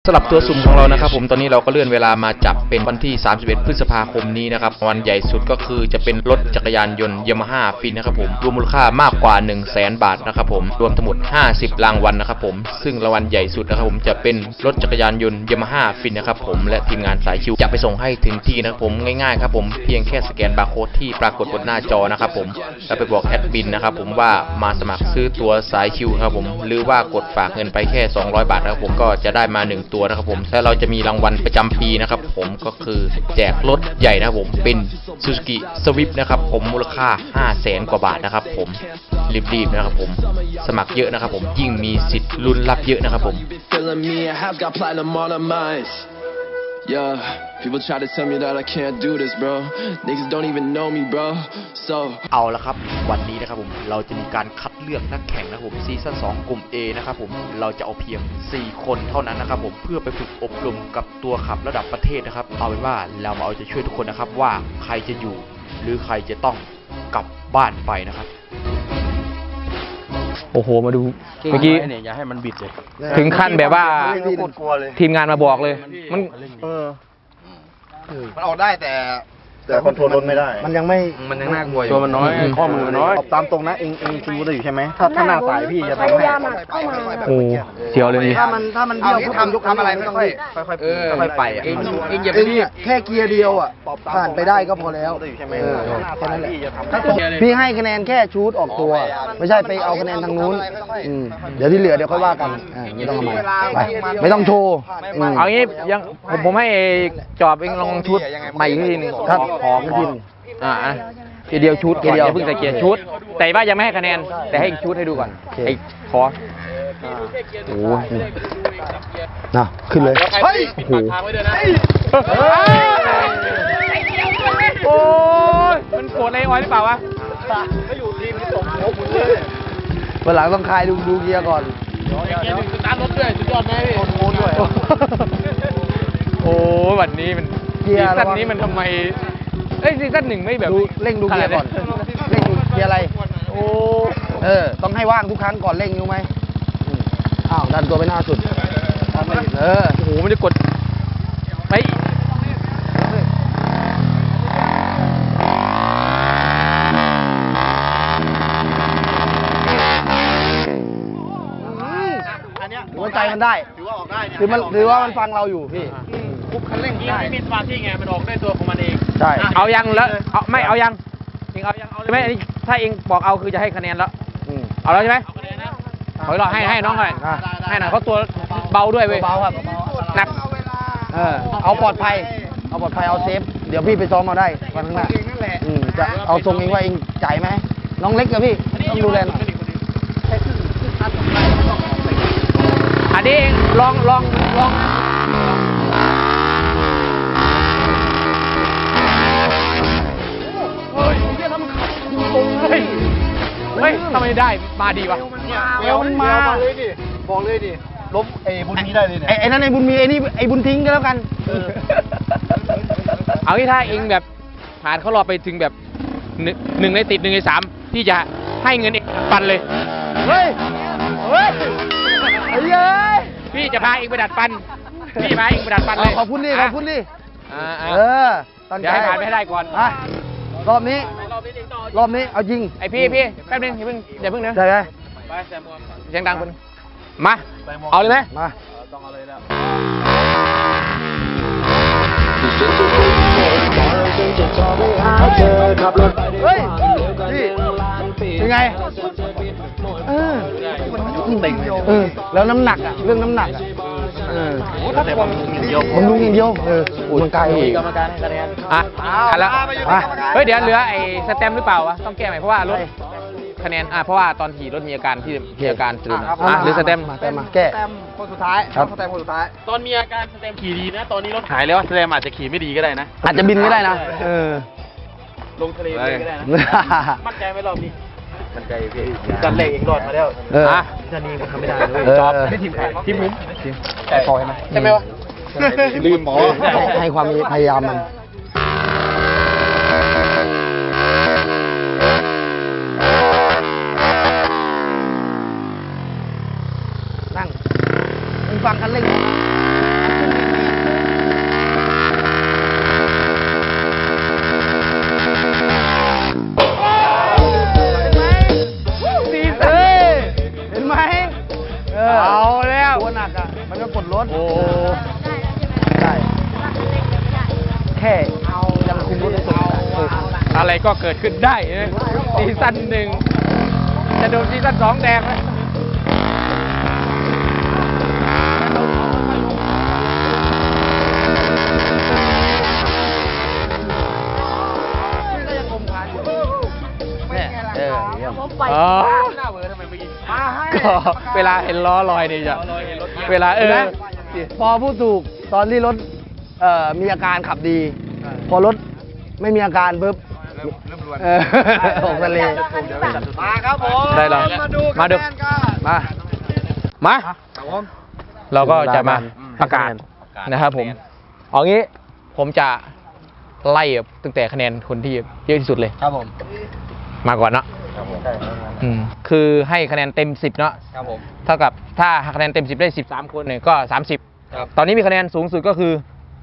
สำหรับตัวสุ่มของเรานะครับผมตอนนี้เราก็เลื่อนเวลามาจับเป็นวันที่31พฤษภาคมนี้นะครับวันใหญ่สุดก็คือจะเป็นรถจักรยานยนต์ยามาฮ่าฟินนะครับผมรวมมูลค่ามากกว่า 100,000 บาทนะครับผมรวมทั้งหมด50รางวัลนะครับผมซึ่งรางวัลใหญ่สุดนะครับผมจะเป็นรถจักรยานยนต์ยามาฮ่าฟินนะครับผมและทีมงานสายชิวจะไปส่งให้ถึงที่นะครับผมง่ายๆครับผมเพียงแค่สแกนบาร์โค้ดที่ปรากฏบนหน้าจอนะครับผมแล้วไปบอกแอดมินนะครับผมว่ามาสมัครซื้อตัวสายชิวครับผมหรือว่ากดฝากเงินไปแค่200 บาทนะครับผมก็จะได้มา1ตัวนะครับผมและเราจะมีรางวัลประจำปีนะครับผมก็คือแจกรถใหญ่นะครับผมเป็น Suzuki Swift นะครับผมมูลค่า 500,000 กว่าบาทนะครับผมรีบๆนะครับผมสมัครเยอะนะครับผมยิ่งมีสิทธิ์ลุ้นรับเยอะนะครับผม Yeah, people try to tell me that I can't do this, bro. Niggas don't even know me, bro. So เอาละครับวันนี้นะครับผมเราจะมีการคัดเลือกนักแข่งนะครับผมซีซั่น2กลุ่ม A นะครับผมเราจะเอาเพียง4คนเท่านั้นนะครับผมเพื่อไปฝึกอบรมกับตัวขับระดับประเทศนะครับเอาเป็นว่าเรามาเอาใจช่วยทุกคนนะครับว่าใครจะอยู่หรือใครจะต้องกลับบ้านไปนะครับโอ้โหมาดูเมื่อกี้เนี่ยอย่าให้มันบิดเลยถึงขั้นแบบว่าทีมงานมาบอกเลยมันออกได้แต่คอนโทรลรถไม่ได้มันยังน่ากลัวอยู่ตัวมันน้อยข้อมือน้อยตามตรงนะเองคิวได้อยู่ใช่ไหมถ้าหน้าสายพี่จะทำให้โอ้เสียวเลยนี่ถ้ามันเบี้ยวทำอะไรไม่ต้องค่อยไปเองอย่าไปรีบแค่เกียร์เดียวอ่ะผ่านไปได้ก็พอแล้วแค่นั้นแหละพี่ให้คะแนนแค่ชูดออกตัวไม่ใช่ไปเอาคะแนนทางนู้นเดี๋ยวที่เหลือเดี๋ยวค่อยว่ากันไม่ต้องมาไปไม่ต้องโชว์เอางี้ยังผมให้จอบเองลองชุดใหม่อีกทีนึงครับของกินเกียร์เดียวชุดเกียร์เดียวเพิ่งใส่เกียร์ชุดแต่ว่ายังไม่ให้คะแนนแต่ให้ชุดให้ดูก่อนไอ้ขอโอ้ยน่ะขึ้นเลยเฮ้ยโอ้โหโอ้ยมันโกรธอะไรอ้อยหรือเปล่าวะไม่อยู่ทีมที่ส่งโค้ชเลยวันหลังต้องคลายดูเกียร์ก่อนเกียร์สตาร์ทรถด้วยสุดยอดไหมพี่โค้ชด้วยโอ้วันนี้มันซีซั่นนี้มันทำไมซีซั่น1ไม่แบบเร่งดูเกียร์ก่อนเร่งดูเกียร์อะไรโอ้ต้องให้ว่างทุกครั้งก่อนเร่งรู้ไหมอ้าวดันตัวไปหน้าสุดโอ้โหมันจะกดไปหัวใจมันได้ถือว่าออกได้ถือว่ามันฟังเราอยู่พี่คุบคันเร่งได้มีสมาธิไงมันออกได้ตัวของมันเองใช่เอายังแล้วไม่เอายังเองเอายังเอาใช่ไหมถ้าเองบอกเอาคือจะให้คะแนนแล้วเอาแล้วใช่ไหมขอรอให้น้องหน่อยให้หน่อยเขาตัวเบาด้วยเว้ยเบาครับหนักเอาปลอดภัยเอาเซฟเดี๋ยวพี่ไปซ้อมมาได้วันข้างหน้าจะเอาทรงเองว่าเองจ่ายไหมน้องเล็กกับพี่ต้องดูแลหน่อยอันนี้ลองเฮ้ยทำไมได้มาดีวะเอวมันมาบอกเลยดิลบบุญมีได้เลยเนี่ยไอ้นั่นไอ้บุญมีไอ้นี่ไอ้บุญทิ้งก็แล้วกันเอาที่ถ้าเองแบบผ่านเขารอไปถึงแบบ1ในติด1ใน3พี่จะให้เงินเองปันเลยเฮ้ยพี่จะพาเองไปดัดฟันพี่พาเองไปดัดฟันเลยขอบคุณดิเดี๋ยวให้ผ่านไปให้ได้ก่อนรอบนี้เอาจริงไอพี่แป๊บนึงอย่าเพิ่งนะได้ไหมเสียงดังคนมาเอาเลยไหมมาต้องเอาเลยแล้วเฮ้ยพี่เป็นไงแล้วน้ำหนักเรื่องน้ำหนักมันลุงอย่างเดียวมันไกลกรรมการให้คะแนนแล้วเฮ้ยเดี๋ยวเหลือไอ้สแตมหรือเปล่าวะต้องแก้ใหม่เพราะว่ารถคะแนนเพราะว่าตอนขี่รถมีอาการตื่นหรือสแตมมาแก้คนสุดท้ายครับสแตมคนสุดท้ายตอนมีอาการสแตมขี่ดีนะตอนนี้รถหายแล้วสแตมอาจจะขี่ไม่ดีก็ได้นะอาจจะบินก็ได้นะลงทะเลก็ได้นะมั่นใจไหมรอบนี้มันใจพี่จันเล็กเองรอดมาแล้วจะนี่มันทำไม่ได้เลยจอบที่ทีมผมแต่พอใช่ไหมวะลืมหมอให้ความพยายามมันนั่งฟังคันเร่งอะไรก็เกิดขึ้นได้นะซีซั่นหนึ่งจะโดนซีซั่น2แดงไหมอ๋อก็เวลาเห็นล้อลอยเนี่ยจะเวลาพอพูดถูกตอนที่รถมีอาการขับดี พอรถไม่มีอาการปุ๊บตกทะเลมาครับผมได้หรอมาดูมาเราก็จะมาประกาศนะครับผมเอางี้ผมจะไล่ตั้งแต่คะแนนคนที่เยอะที่สุดเลยครับผมมาก่อนเนาะคือให้คะแนนเต็ม10เนาะครับผมเท่ากับถ้าคะแนนเต็ม10ได้13คนเนี่ยก็30ตอนนี้มีคะแนนสูงสุดก็คือ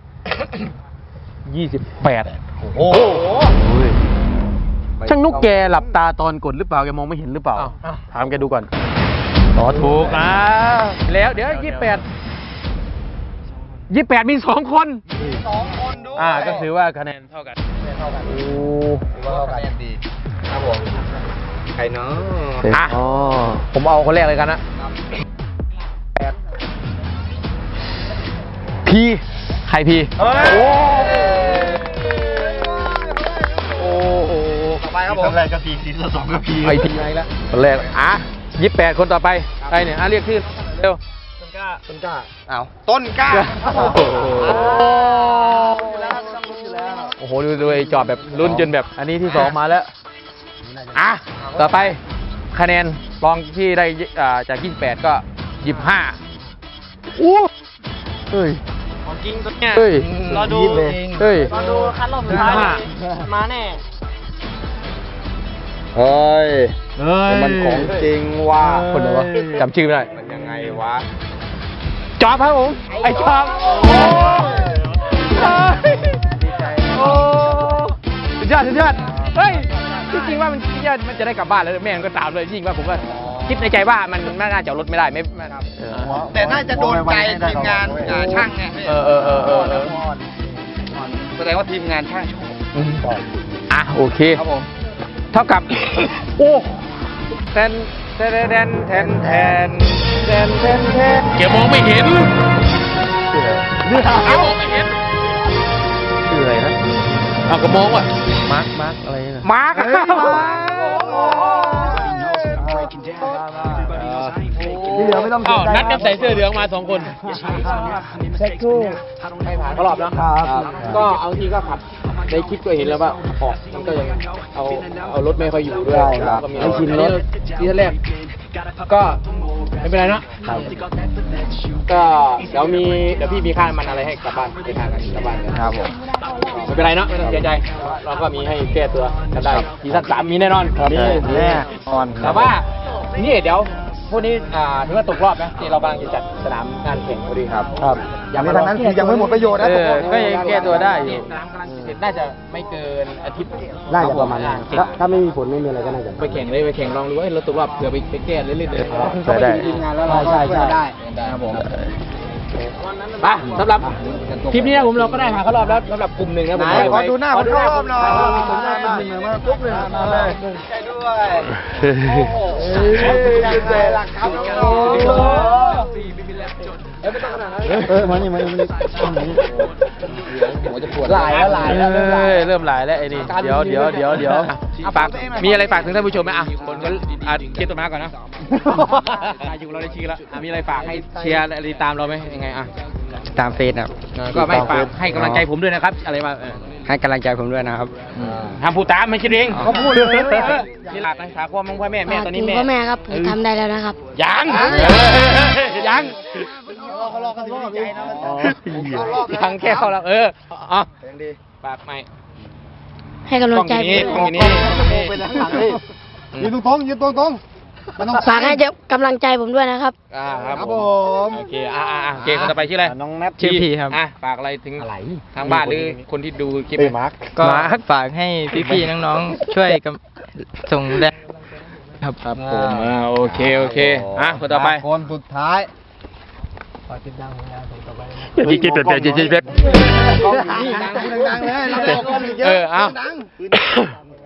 28โอ้โหช่างนุกแกหลับตาตอนกดหรือเปล่าแกมองไม่เห็นหรือเปล่าถามแกดูก่อนถูกแล้วเดี๋ยว28มี2คนด้วยก็ถือว่าคะแนนเท่ากันโอ้คะแนนดีครับผมใครเนาะผมเอาคนแรกเลยกันนะพีใครพีโอ้โหต่อไปครับผมคนแรกก็พีซีซั่น2ก็พีไอพีอะไรแล้วคนแรก28คนต่อไปใครเนี่ยเรียกชื่อเร็วต้นกล้าเอาต้นกล้าโอ้โหดูไอ้จอบแบบลุ้นจนแบบอันนี้ที่2มาแล้วต่อไปคะแนนรองที่ได้จาก28ก็25อู้เฮ้ยของจริงตัวเนี้ยรอดูเฮ้ยรอดูคันรอบสุดท้ายมาแน่เฮ้ยมันของจริงว่ะคนไหนวะจำชื่อไม่ได้มันยังไงวะจอบครับผมไอ้จอบโอ้สุดยอดเฮ้ยที่จริงว่ามันจะได้กลับบ้านแล้วแม่ก็ตามเลยจริงว่าผมก็คิดในใจว่ามันน่าจะรถไม่ได้ไม่แต่น่าจะโดนใจทีมงานช่างไงแสดงว่าทีมงานช่างโอเคครับผมเท่ากับโอ้แทนเกี่ยวมองไม่เห็นเกี่ยวมองไม่เห็นชื่ออะไรนะก็มองว่ะมาร์คอะไรนะมาร์คที่เหลือไม่ต้องนัดกันใส่เสื้อเหลืองมา2คนเช็คคู่ให้ผ่านรอบแล้วก็เอาทีก็ขับในคลิปก็เห็นแล้วว่ามันก็ยังเอารถไม่ค่อยอยู่ด้วยก็มีให้ชินรถที่แรกก็ไม่เป็นไรนะก็เดี๋ยวพี่มีค่ามันอะไรให้กลับบ้านไปทางกันกลับบ้านครับผมไม่เป็นไรเนาะไม่ต้องเสียใจเราก็มีให้แก้ตัวกันได้ซีซั่น3มีแน่นอนแน่นอนแต่ว่านี่เดี๋ยวพวกนี้ถือว่าตกรอบนะที่เรากำลังจะจัดสนามงานแข่งพอดีครับอย่างนี้ทางนั้นคือยังไม่หมดประโยชน์นะก็ยังแก้ตัวได้อยู่น่าจะไม่เกินอาทิตย์น่าจะประมาณนั้นถ้าไม่มีฝนไม่มีอะไรก็น่าจะไปแข่งลองดูว่าเราตกรอบเผื่อไปแก้เรื่อยๆได้ทีมงานแล้วใช่ได้ครับผมไปสำหรับคลิปนี้นะผมเราก็ได้ผ่านเข้ารอบแล้วสำหรับกลุ่มหนึ่งนะผมขอดูหน้าผมเข้ารอบหน่อยมาปุ๊บเลยมาเลยใช่ด้วยหลักครับมานี่หลายแล้วเริ่มหลายแล้วไอ้นี่เดี๋ยวฝากมีอะไรฝากถึงท่านผู้ชมไหมคนก็เชียร์ตัวมาก่อนนะอยู่เราได้ชื่อแล้วมีอะไรฝากให้เชียร์อะไรตามเราไหมยังไงตามเฟซครับก็ไม่ฝากให้กำลังใจผมด้วยนะครับอะไรมาให้กำลังใจผมด้วยนะครับทำพูดตามไม่ใช่เองเขาพูดเลยนี่หลักนะถามความมึงพ่อแม่ตอนนี้แม่พ่อแม่ครับผมทำได้แล้วนะครับยังแค่เข้าแล้วฝากใหม่ให้กำลังใจผมยืนตรงฝากให้กำลังใจผมด้วยนะครับครับผมโอเคคนต่อไปชื่ออะไรน้องแนทชื่อพีครับฝากอะไรถึงทางบ้านหรือคนที่ดูคลิปมาร์คก็ฝากให้พี่ๆน้องๆช่วยส่งแรงครับผมโอเคคนต่อไปคนสุดท้ายจีเป็ดดังเลยเราได้กล้องเยอะ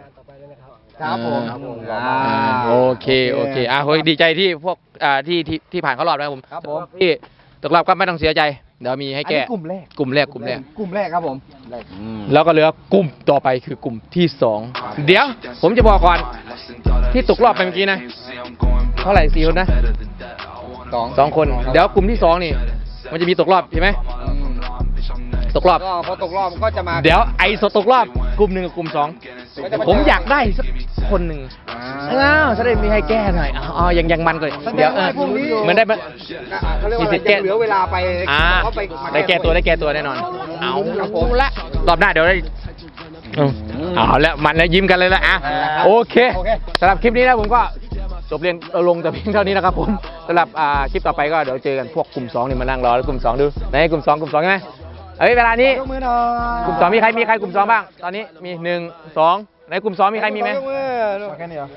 ครับผมโอเคเฮ้ยดีใจที่พวกที่ผ่านเข้ารอบนะครับผมครับผมที่ตกรอบก็ไม่ต้องเสียใจ เดี๋ยวมีให้อันแก้นี้กลุ่มแรกกลุ่มแรกกลุ่มแรกครับผมแล้วก็เหลือกลุ่มต่อไปคือกลุ่มที่สองเดี๋ยวผมจะบอกก่อนที่ตกรอบไปเมื่อกี้นะเท่าไหร่4 คนนะสองคน เดี๋ยวกลุ่มที่สองนี่มันจะมีตกรอบใช่ไหมตกรอบก็พอตกรอบก็จะมาเดี๋ยวไอ้ตกรอบกลุ่มหนึ่งกับกลุ่มสองผมอยากได้สักคนหนึ่งจะได้มีให้แก้หน่อยยังมันก่อนเดี๋ยวเหมือนได้เขาเรียกว่ามีสิทธิ์แก้เหลือเวลาไปได้ได้แก้ตัวแน่นอนเอาละรอบหน้าเดี๋ยวได้เอาแล้วมันแล้วยิ้มกันเลยละโอเคสำหรับคลิปนี้นะผมก็จบเรียนลงแต่เพียงเท่านี้นะครับผมสำหรับคลิปต่อไปก็เดี๋ยวเจอกันพวกกลุ่ม2นี่มานั่งรอแล้วกลุ่ม2ดูไหนกลุ่ม2ใช่ไหมเวลานี้ยกมือหน่อยกลุ่ม2มีใครกลุ่ม2บ้างตอนนี้มี1 2ในกลุ่ม2มีใครมีไหมยกมือแค่นี้เหรอ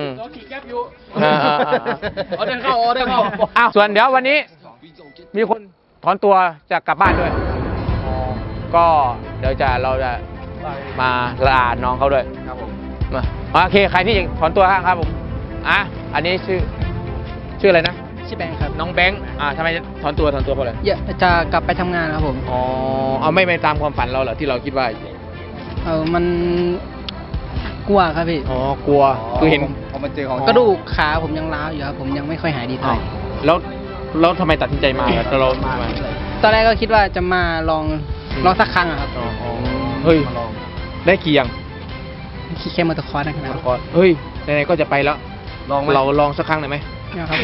เดินเข้าส่วนเดี๋ยววันนี้มีคนถอนตัวจะกลับบ้านด้วยก็เดี๋ยวเราจะมาลาน้องเขาด้วยครับผมมาโอเคใครที่ถอนตัวครับผมอันนี้ชื่ออะไรนะชื่อแบงค์ครับน้องแบงค์ทำไมถอนตัวเพราะอะไรจะกลับไปทำงานครับผมเอาไม่ตามความฝันเราเหรอที่เราคิดว่ามันกลัวครับพี่กลัวคือเห็นพอมาเจอของกระดูกขาผมยังร้าวอยู่ครับผมยังไม่ค่อยหายดีเท่าไหร่แล้วทำไมตัดสินใจมาเรามาตอนแรกก็คิดว่าจะมาลองสักครั้งอะครับเฮ้ยได้กี่ยังขี่แค่มอเตอร์คอร์สนะครับเฮ้ยไหนๆก็จะไปแล้วเราลองสักครั้งหน่อยไหมนะครับ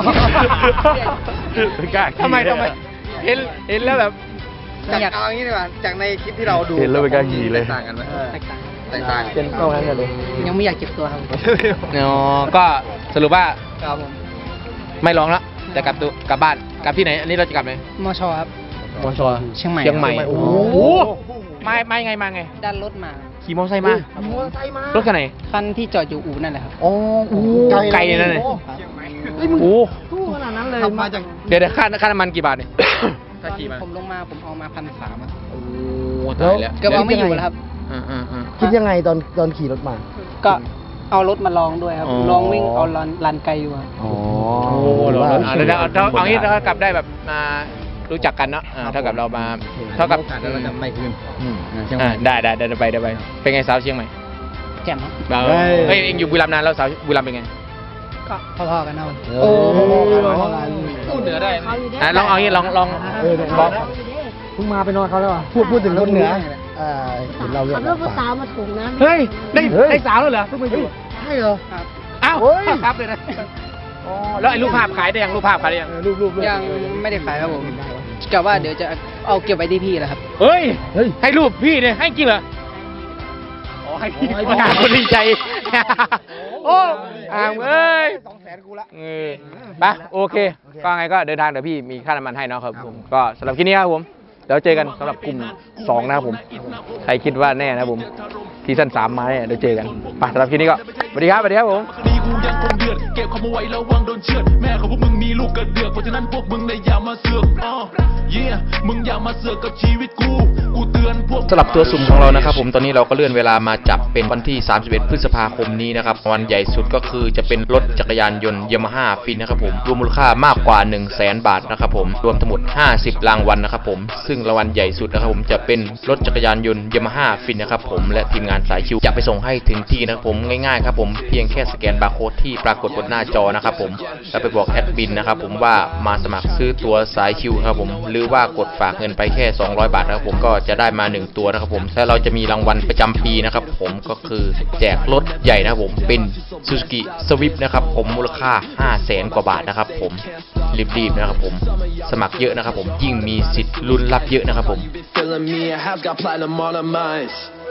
ทำไมเห็นแล้วแบบอยากเอาอย่างนี้ดีกว่าจากในคลิปที่เราดูเห็นแล้วเป็นการขี่เลยต่างกันไหมแตกต่างแตกต่างเป็นเข้างั้นเลยยังไม่อยากเจ็บตัวครับก็สรุปว่าครับผมไม่ร้องแล้วแต่กลับบ้านกลับที่ไหนอันนี้เราจะกลับไหนมอชครับมอชอเชียงใหม่เชียงใหม่ครับโอ้โหมาไงมาไงด้านรถมาขี่มอเตอร์ไซค์มารถคันไหนคันที่จอดอยู่อู่นั่นแหละครับไกลเลยนะเนี่ยโอ้ขนาดนั้นเลยมาจากเดี๋ยวค่าน้ำมันกี่บาทเนี่ยถ้าขี่มาผมลงมาผมเอามา1,300ครับโอ้ตายแล้วเกือบเอาไม่อยู่แล้วครับคิดยังไงตอนขี่รถมาก็เอารถมาลองด้วยครับอ๋อลองวิ่งเอาลันไกลอยู่ครับอ๋อโอ้โหเราเอางี้ถ้ากลับได้แบบมารู้จักกันเนาะเท่ากับเรามาเท่ากับเราจะไม่คืนได้ไปเป็นไงสาวเชียงใหม่แจ่มครับเฮ้ยเองอยู่บุรีรัมย์นานแล้วสาวบุรีรัมย์เป็นไงก็พอๆกันเอาโอ้พูดเหนือได้ลองเอางี้ลองบอกเพิ่งมาไปนอนเขาแล้วอ่ะพูดถึงคนเหนือเห็นเราเรียขักบรถภาษามาถูกนะเฮ้ยได้สาวแล้วเหรอเพิ่งมาอยู่ใช่เหรอครับอ้าวครับเลยนะแล้วไอ้รูปภาพขายได้ยังรูปภาพขายได้ยังรูปยังไม่ได้ขายครับผมกะว่าเดี๋ยวจะเอาเก็บไว้ที่พี่แหละครับเฮ้ยให้รูปพี่เนี่ยให้จริงเหรอให้พี่ประกาศคนดีใจโอ้เอ้ย 200,000กูละไปโอเคก็ไงก็เดินทางเดี๋ยวพี่มีค่าน้ำมันให้เนาะครับผมก็สำหรับคลิปนี้ครับผมเดี๋ยวเจอกันสำหรับกลุ่ม2นะครับผมใครคิดว่าแน่นะครับผมซีซั่น3มาเนี่ยเดี๋ยวเจอกันไปสำหรับคลิปนี้ก็สวัสดีครับผมคดีกูยังคงเดือดเก็บข้อมูลไว้ระวังโดนเชือดแม่ของพวกมึงมีลูกกระเดือกเพราะฉะนั้นพวกมึงเลยอย่ามาเสือกมึงอย่ามาเสือกกับชีวิตกูเตือนพวกสำหรับตัวสุ่มของเรานะครับผมตอนนี้เราก็เลื่อนเวลามาจับเป็นวันที่31พฤษภาคมนี้นะครับวันใหญ่สุดก็คือจะเป็นรถจักรยานยนต์ยามาฮ่าฟินนะครับผมรวมมูลค่ามากกว่า 100,000 บาทนะครับผมรวมทั้งหมด50รางวัลนะครับผมซึ่งรางวัลใหญ่สุดนะครับผมจะเป็นรถจักรยานยนต์ยามาฮ่าฟินนะครับผมและทีมงานสายชิวจะไปส่งให้ถึงที่นะครับผมง่ายๆครับผมเพียงแค่สแกนบาร์โค้ดที่ปรากฏบนหน้าจอนะครับผมแล้วไปบอกแอดมินนะครับผมว่ามาสมัครซื้อตัวสายชิวครับผมหรือว่ากดฝากเงินไปแค่200 บาทนะครับผมก็จะได้มา1ตัวนะครับผมและเราจะมีรางวัลประจำปีนะครับผมก็คือแจกรถใหญ่นะครับผมเป็น Suzuki Swift นะครับผมมูลค่า 500,000 กว่าบาทนะครับผมรีบๆนะครับผมสมัครเยอะนะครับผมยิ่งมีสิทธิ์ลุ้นรับเยอะนะครับผม Feeling me, I have got platinum on my mind.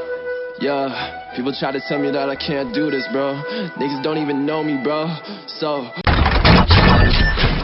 Yeah, people try to tell me that I can't do this, bro. Niggas don't even know me, bro. So.